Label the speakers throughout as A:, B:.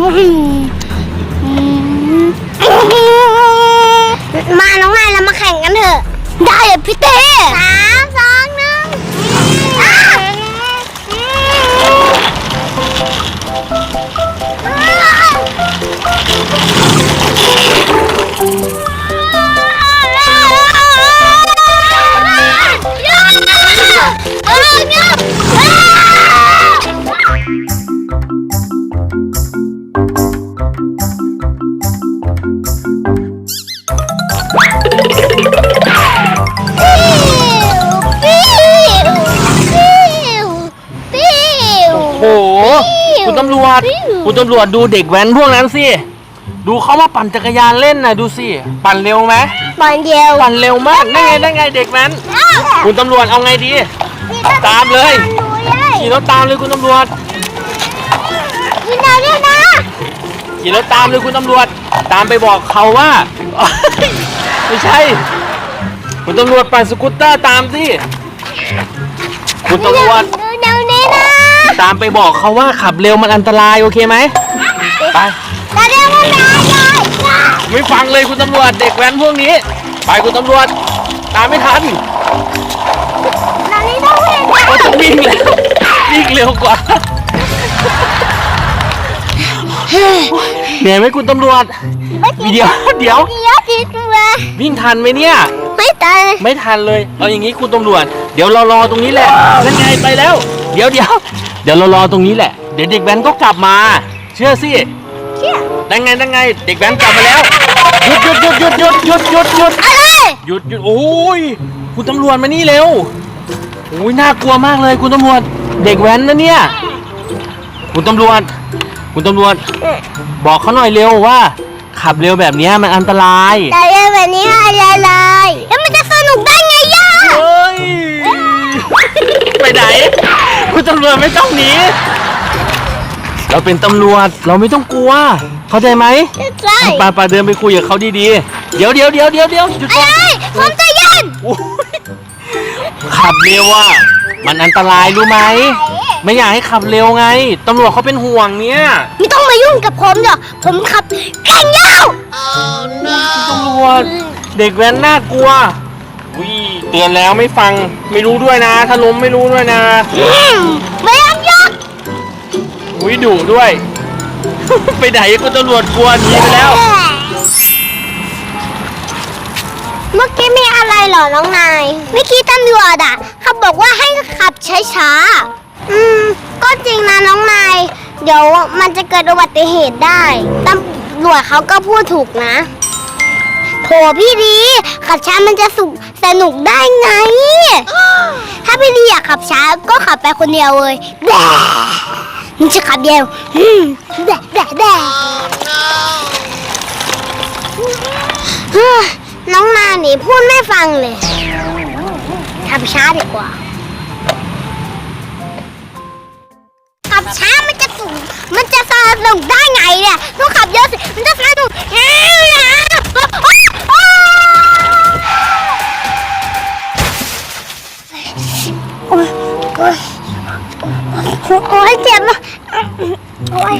A: มาน้องนายเรามาแข่งกันเถอะได้เลยพี่เต้3 2 1
B: โอ้โหคุณตำรวจดูเด็กแว้นพวกนั้นสิดูเขามาปั่นจักรยานเล่นนะดูสิปั่นเร็วไหม
A: ปั่นเร็ว
B: มากได้ไงเด็กแว้นคุณตำรวจเอาไงดีตามเลยขี่รถตามเลยคุณตำรวจ
A: ขี่รถ
B: ตามเลยคุณตำรวจตามไปบอกเขาว่าไม่ใช่คุณตำรวจปั่นสกูตเตอร์ตามสิคุณตำรวจตามไปบอกเขาว่าขับเร็วมันอันตรายโอเคไหมไปไม่ฟังเลยคุณตำรวจเด็กแว้นพวกนี้ไปคุณตำรวจตามไม่ทันก็ต้องวิ่งเร็วกว่าเหนื่อยไหมคุณตำรวจเดี๋ยววิ่งทันไหมเนี่ยไม่ทันเลยเอาอย่างนี้คุณตำรวจเดี๋ยวเรารอตรงนี้แหละนั่นไงไปแล้วเดี๋ยวเรารอตรงนี้แหละเดี๋ยวเด็กแว้นก็กลับมาเชื่อสินั่นไงเด็กแว้นกลับมาแล้วหยุดโอ้ยคุณตำรวจมานี่เร็วโอ้ยน่ากลัวมากเลยคุณตำรวจเด็กแว้นนะเนี่ยคุณตำรวจบอกเขาหน่อยเร็วว่าขับเร็วแบบนี้มันอันตราย
A: แต่เร็วแบบนี้อันตรายแล้วมันจะสนุกได้ไงย่า
B: เฮ้ยไปไหนคุณตำรวจไม่ต้องหนีเราเป็นตำรวจเราไม่ต้องกลัวเข้าใจไหม
A: ใช่
B: ปาเดินไปคุยกับเขาดีๆเดี๋ยวหยุดก่อน
A: ผมใจเย็น
B: ขับเร็วอ่ะมันอันตรายรู้ไหมไม่อยากให้ขับเร็วไงตำรวจเขาเป็นห่วงเนี่ย
A: ไม่ต้องมายุ่งกับผมหรอกผมขับเก่งยาว
B: ตำรวจเด็กแว้นน่ากลัวเตือนแล้วไม่ฟังไม่รู้ด้วยนะถ้าล้มไม่รู้ด้วยนะ
A: ไม่ยอมหยุด
B: ดุด้วย ไปไหนคุณตำรวจกลัวหนีไปแล้ว
A: เมื่อกี้มีอะไรเหรอน้องนายเมื่อกี้ตำรวจอ่ะเขาบอกว่าให้ขับช้าๆก็จริงนะน้องนายเดี๋ยวมันจะเกิดอุบัติเหตุได้ตำรวจเขาก็พูดถูกนะโถพี่ดีขับช้ามันจะสนุกได้ไงถ้าพี่ดีอยากขับช้าก็ขับไปคนเดียวเลยแด่มันจะขับเดียวแด่น้องนาหนีพูดไม่ฟังเลยขับช้าดีกว่าขับช้ามันจะสนุกได้ไงเนี่ยต้องขับเยอะสิมันจะสนุกโอ้ยเจ็บนะโอ้ย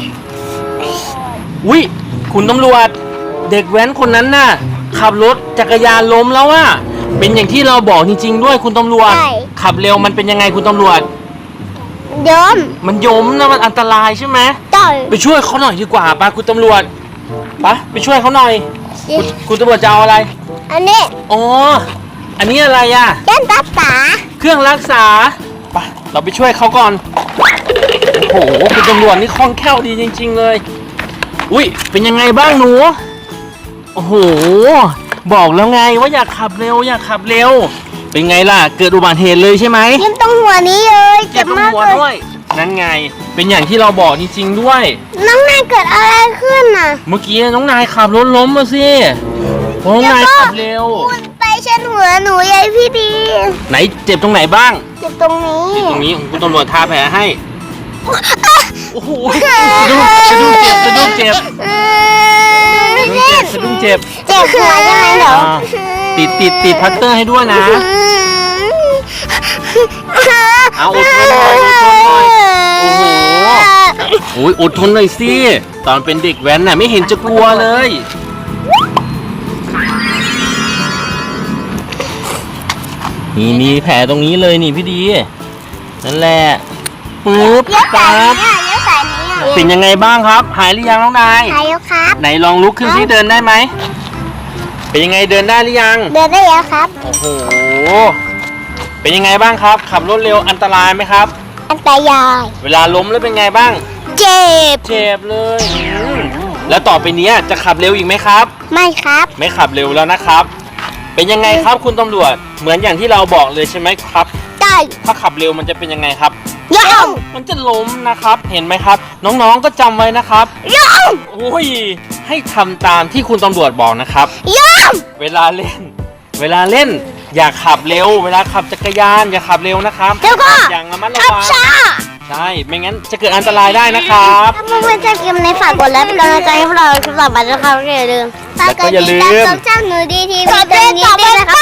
B: คุณตำรวจเด็กแว้นคนนั้นน่ะขับรถจักรยานล้มแล้วอ่ะเป็นอย่างที่เราบอกจริงๆด้วยคุณตำรวจขับเร็วมันเป็นยังไงคุณตำรวจมันยมนะมันอันตรายใช่ไหมไปช่วยเขาหน่อยดีกว่าป้าคุณตำรวจไปช่วยเขาหน่อยคุณตำรวจจะเอาอะไร
A: อันนี้
B: อันนี้อะไรอ่ะ
A: เครื่องรักษา
B: ไปเราไปช่วยเขาก่อนโอ้โหคุณตำรวจนี่คล่องแคล่วดีจริงๆเลยเป็นยังไงบ้างหนูโอ้โหบอกแล้วไงว่าอยากขับเร็วเป็นไงล่ะเกิดอุบัติเหตุเลยใช่ไหม
A: เจ็บตรงหัวนี้เลย
B: เจ็บตรงหัวด้วยนั่นไงเป็นอย่างที่เราบอกจริงๆด้วย
A: น้องนายเกิดอะไรขึ้นน่ะ
B: เมื่อกี้น้องนายขับรถล้มมาสิน้องนายขับเร็ว
A: ไปเช็ดหัวหนูยายพี่ดี
B: ไหนเจ็บตรงไหนบ้าง
A: เจ็บตรงนี้
B: คุณตำรวจทาแผลให้โอ้โหสะดุ้งเจ็บ
A: เจ็บหัวใช่ไหมเหรอ
B: ติดพัตเตอร์ให้ด้วยนะเอาอดทนหน่อยโอ้โหโอ้ยอดทนหน่อยสิตอนเป็นเด็กแว้นน่ะไม่เห็นจะกลัวเลยนี่มีแผลตรงนี้เลยนี่พี่ดีนั่นแหละปึ๊บ
A: เลี้ยว
B: ปั๊
A: สาย
B: บ
A: นี้เลี้ยวสายนี้
B: เป็นยังไงบ้างครับหายหรือยังน้องนาย
A: หายแล้วครับ
B: ไหนลองลุกขึ้นซิเดินได้ไหมเป็นยังไงเดินได้หรือยัง
A: เดินได้แล้วครับ
B: โอ้โหเป็นยังไงบ้างครับ ขับรถเร็วอันตรายไหมครับ
A: อันตราย
B: เวลาล้มแล้วเป็นไงบ้าง
A: เจ็บ
B: เจ็บเลยแล้วต่อไปเนี้ยจะขับเร็วอีกไหมครับ
A: ไม่ครับ
B: ไม่ขับเร็วแล้วนะครับ เป็นยังไงครับคุณตำรวจเหมือนอย่างที่เราบอกเลยใช่ไหมครับ
A: ได้
B: ถ้าขับเร็วมันจะเป็นยังไงครับ
A: ย่อง
B: มันจะล้มนะครับ เห็นไหมครับ น้องๆก็จำไว้นะครับ
A: ย่อง
B: โอ้ยให้ทำตามที่คุณตำรวจบอกนะครับ
A: ย่อง
B: เวลาเล่น อย่าขับเร็ว เวลาขับจักรยานอย่าขับเร็วนะครับ
A: แล้วก็
B: อย่างระมัดระ
A: ขับ
B: วัง
A: ช้า
B: ใช่ไม่งั้นจะเกิดอันตรายได้นะครับ
A: ถ้าเพื่อนๆชอบคลิปนี้ฝากกดไลค์เป็นกำลังใจให้พวกเราคลิปต่อไปนะครับอย่าลืม
B: แล้วก็อย่าลืม
A: ฝกกดติดตามช่องหนูดีทีวีตรงนี้ด้วยนะครับ